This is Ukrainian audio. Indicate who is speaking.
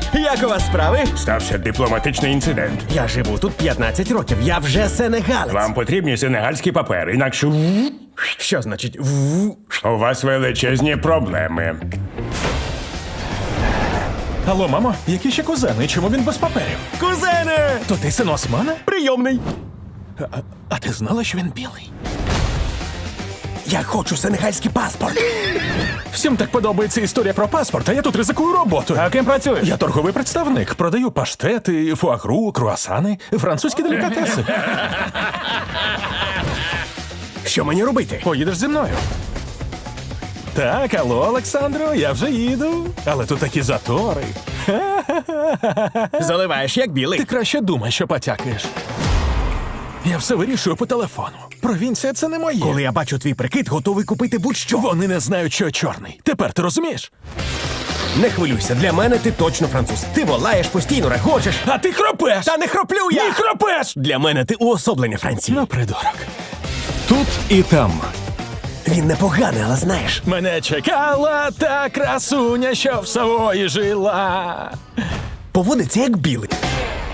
Speaker 1: Як у вас справи?
Speaker 2: Стався дипломатичний інцидент.
Speaker 1: Я живу тут 15 років, я вже сенегалець.
Speaker 2: Вам потрібні сенегальські папери, інакше
Speaker 1: Що значить
Speaker 2: у вас величезні проблеми.
Speaker 3: Алло, мамо, які ще кузени? Чому він без паперів?
Speaker 1: Кузене!
Speaker 3: То ти син Османа?
Speaker 1: Прийомний.
Speaker 3: А ти знала, що він білий?
Speaker 1: Я хочу сенегальський паспорт.
Speaker 3: Всім так подобається історія про паспорт, а я тут ризикую роботою.
Speaker 1: А ким працюєш?
Speaker 3: Я торговий представник. Продаю паштети, фуагру, круасани, французькі делікатеси.
Speaker 1: Що мені робити?
Speaker 3: Поїдеш зі мною. Так, алло, Олександро, я вже їду. Але тут такі затори.
Speaker 1: Заливаєш як білий.
Speaker 3: Ти краще думай, що потякаєш. Я все вирішую по телефону. Провінція — це не моє.
Speaker 1: Коли я бачу твій прикид, готовий купити будь-що.
Speaker 3: Вони не знають, що я чорний. Тепер ти розумієш?
Speaker 1: Не хвилюйся, для мене ти точно француз. Ти волаєш, постійно регочеш.
Speaker 3: А ти хропеш!
Speaker 1: Та не хроплю я!
Speaker 3: Ні, хропеш!
Speaker 1: Для мене ти уособлення Франції.
Speaker 3: Ну, придурок.
Speaker 4: Тут і там.
Speaker 1: Він непоганий, але знаєш.
Speaker 3: Мене чекала та красуня, що в Савої жила.
Speaker 1: Поводиться як білий.